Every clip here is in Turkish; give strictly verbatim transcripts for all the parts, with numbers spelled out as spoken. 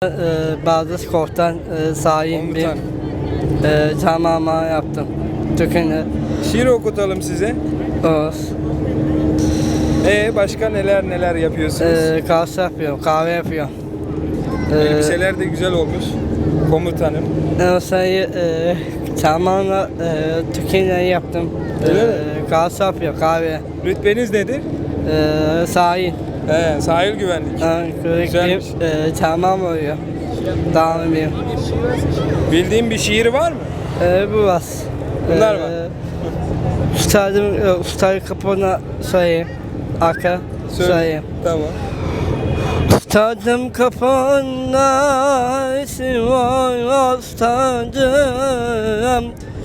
Ee, bazı komutan e, sahip bir e, tamama yaptım. Türk'ünü. Şiir okutalım size. Olsun. Ee başka neler neler yapıyorsunuz? Ee, kahve yapıyorum, kahve yapıyorum. Ee, Elbiseler de güzel olmuş. Komutanım. O sayı e, tamamen e, Türk'ünü yaptım. Öyle mi? E, kahve yapıyorum, kahve. Rütbeniz nedir? E, sahil. He, sahil güvenlik. Güzelmiş. E, tamam oluyor. Devam edeyim. Bildiğin bir şiir var mı? E, bu var. Bunlar E, var. Ustadım, e, ustayı kapına sayayım. Arka Söyle. sayayım. Tamam. Ustadım kapına isim var ustadım.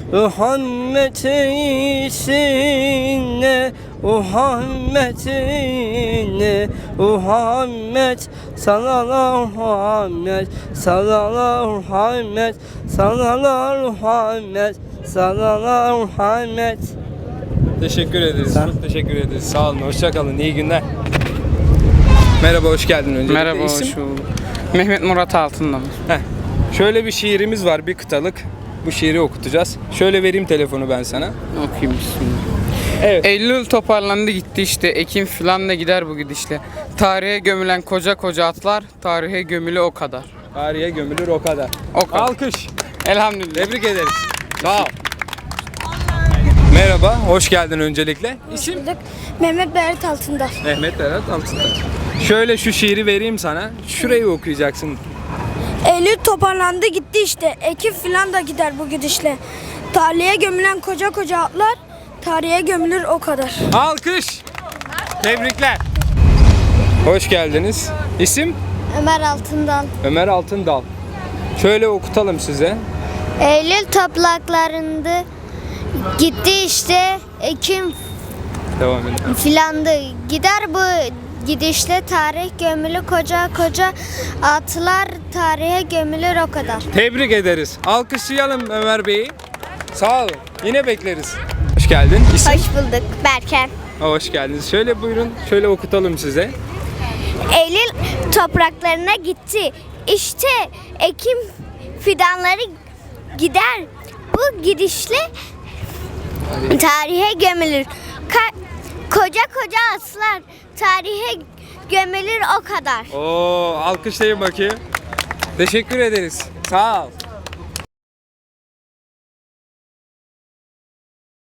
Muhammed'ine Muhammed'ine Muhammed sallallahu Muhammed sallallahu Muhammed sallallahu Muhammed sallallahu Muhammed. Teşekkür ederiz. Sen? Çok teşekkür ederiz. Sağ olun. Hoşça kalın. İyi günler. Merhaba, hoş geldin öncelikle. Merhaba, İsim? hoş bulduk. Mehmet Murat Altındamır. Heh. Şöyle bir şiirimiz var, bir kıtalık. Bu şiiri okutacağız. Şöyle vereyim telefonu ben sana. Okuyayım bismillah. Evet. Eylül toparlandı gitti işte, Ekim filan da gider bu gidişle. Tarihe gömülen koca koca atlar, tarihe gömülü o kadar. Tarihe gömülür o kadar. O kadar. Alkış. Elhamdülillah. Tebrik ederiz. Sağ ol. Merhaba, hoş geldin öncelikle. İsim? Mehmet Berat Altındal. Mehmet Berat Altındal. Şöyle şu şiiri vereyim sana. Şurayı okuyacaksın. Eylül toparlandı gitti işte. Ekim filan da gider bu gidişle. Tarihe gömülen koca koca atlar, tarihe gömülür o kadar. Alkış. Tebrikler. Hoş geldiniz. İsim? Ömer Altındal. Ömer Altındal. Şöyle okutalım size. Eylül topraklarında gitti işte, Ekim Devam edin. filandı. Gider bu gidişle, tarih gömülü koca koca atlar, tarihe gömülür o kadar. Tebrik ederiz. Alkışlayalım Ömer Bey'i. Sağ olun. Yine bekleriz. Hoş geldin. İsim? Hoş bulduk Berken. Hoş geldiniz. Şöyle buyurun. Şöyle okutalım size. Eylül topraklarına gitti. İşte Ekim fidanları gider. Bu gidişle tarihe gömülür. Ka- koca koca atlar, tarihe gömülür o kadar. Oo, alkışlayın bakayım. Teşekkür ederiz. Sağ ol.